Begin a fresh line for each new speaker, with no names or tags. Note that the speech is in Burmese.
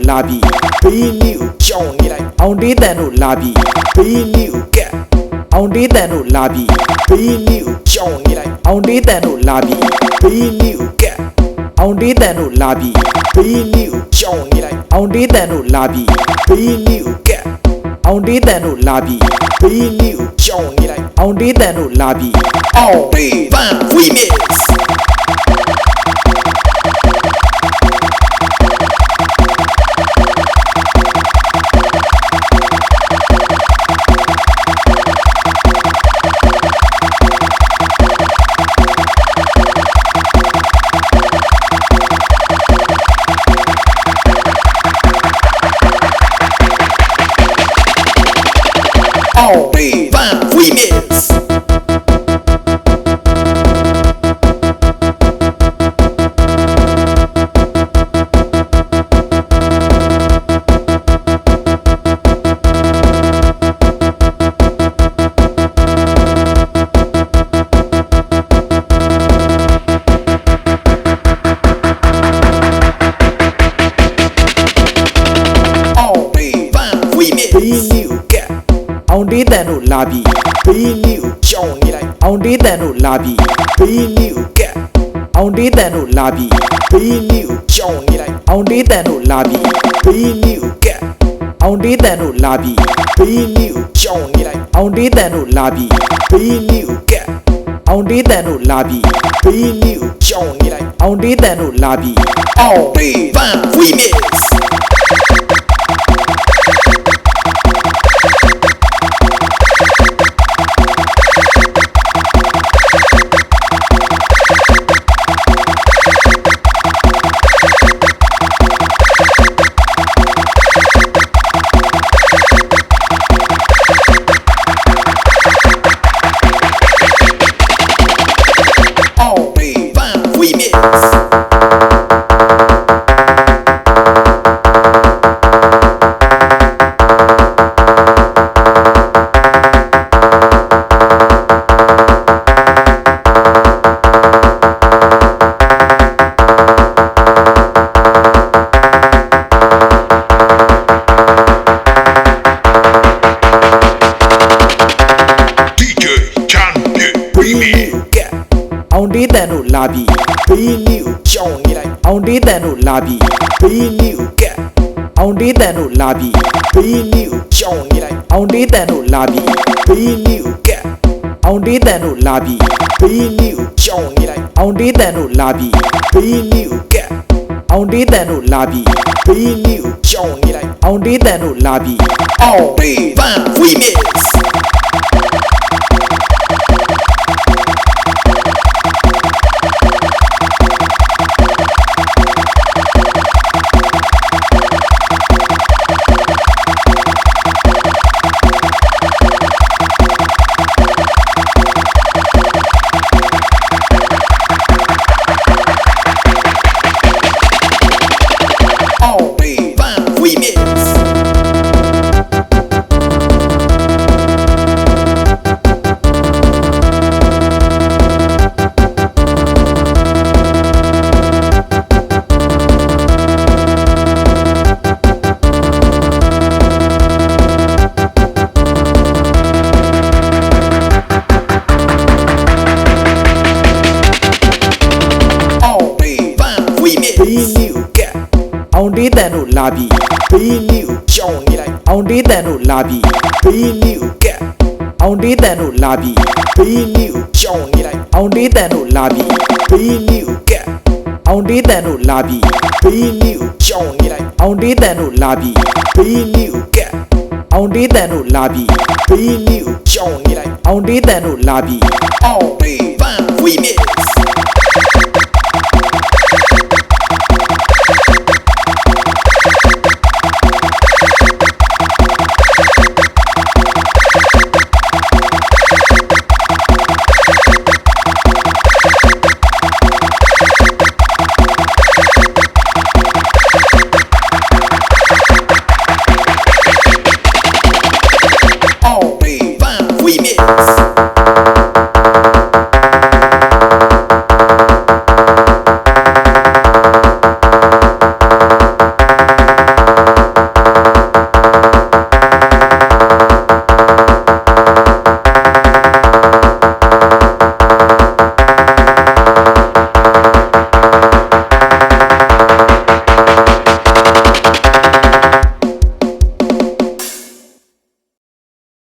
လာပြီဘေးလေးကိုကြောင်နေလိုက်အောင်တေးတန်တို့လာပြီဘေးလေးကိုကက်အောင်တေးတန်တို့လာပြီဘေးလေးကိုကြောင်နေလိုက်အောင်တေးတန်တို့လာပြီဘေးလေးကိုကက်အောင်တေးတန်တို့လာပြီဘေးလေးကိုကြောင်နေလိုက်အောင်တေးတန်တို့လာပြီဘေးလေးကိုကက်အောင်တေးတန်တို့လာပြီဘေးလေးကိုကြောင်နေလိုက်အောင်တေးတန်တို့လာပြီအောင်တေးတန် remix All day remix. All day remix. အောင်တေးတန်တို့လာပြီဘေးလေးကိုကြောင်နေလိုက်အောင်တေးတန်တို့လာပြီဘေးလေးကိုကက်အောင်တေးတန်တို့လာပြီဘေးလေးကိုကြောင်နေလိုက်အောင်တေးတန်တို့လာပြီဘေးလေးကိုကက်အောင်တေးတန်တို့လာပြီဘေးလေးကိုကြောင်နေလိုက်အောင်တေးတန်တို့လာပြီဘေးလေးကိုကက်အောင်တေးတန်တို့လာပြီဘေးလေးကိုကြောင်နေလိုက်အောင်တေးတန်တို့လာပြီအောင်တေးတန် remixအောင်တေးတန်တို့လာပြီဘေးလေးကိုကြောင်နေလိုက်အောင်တေးတန်တို့လာပြီဘေးလေးကိုကက်အောင်တေးတန်တို့လာပြီဘေးလေးကိုကြောင်နေလိုက်အောင်တေးတန်တို့လာပြီဘေးလေးကိုကက်အောင်တေးတန်တို့လာပြီဘေးလေးကိုကြောင်နေလိုက်အောင်တေးတန်တို့လာပြီဘေးလေးကိုကက်အောင်တေးတန်တို့လာပြီဘေးလေးကိုကြောင်နေလိုက်အောင်တေးတန်တို့လာပြီအောင်တေးတန် remixအောင်တေးတန်တို့လာပြီဘေးလေးကိုကြောင်နေလိုက်အောင်တေးတန်တို့လာပြီဘေးလေးကိုကက်အောင်တေးတန်တို့လာပြီဘေးလေးကိုကြောင်နေလိုက်အောင်တေးတန်တို့လာပြီဘေးလေးကိုကက်အောင်တေးတန်တို့လာပြီဘေးလေးကိုကြောင်နေလိုက်အောင်တေးတန်တို့လာပြီဘေးလေးကိုကက်အောင်တေးတန်တို့လာပြီဘေးလေးကိုကြောင်နေလိုက်အောင်တေးတန်တို့လာပြီအောင်တေးတန် remix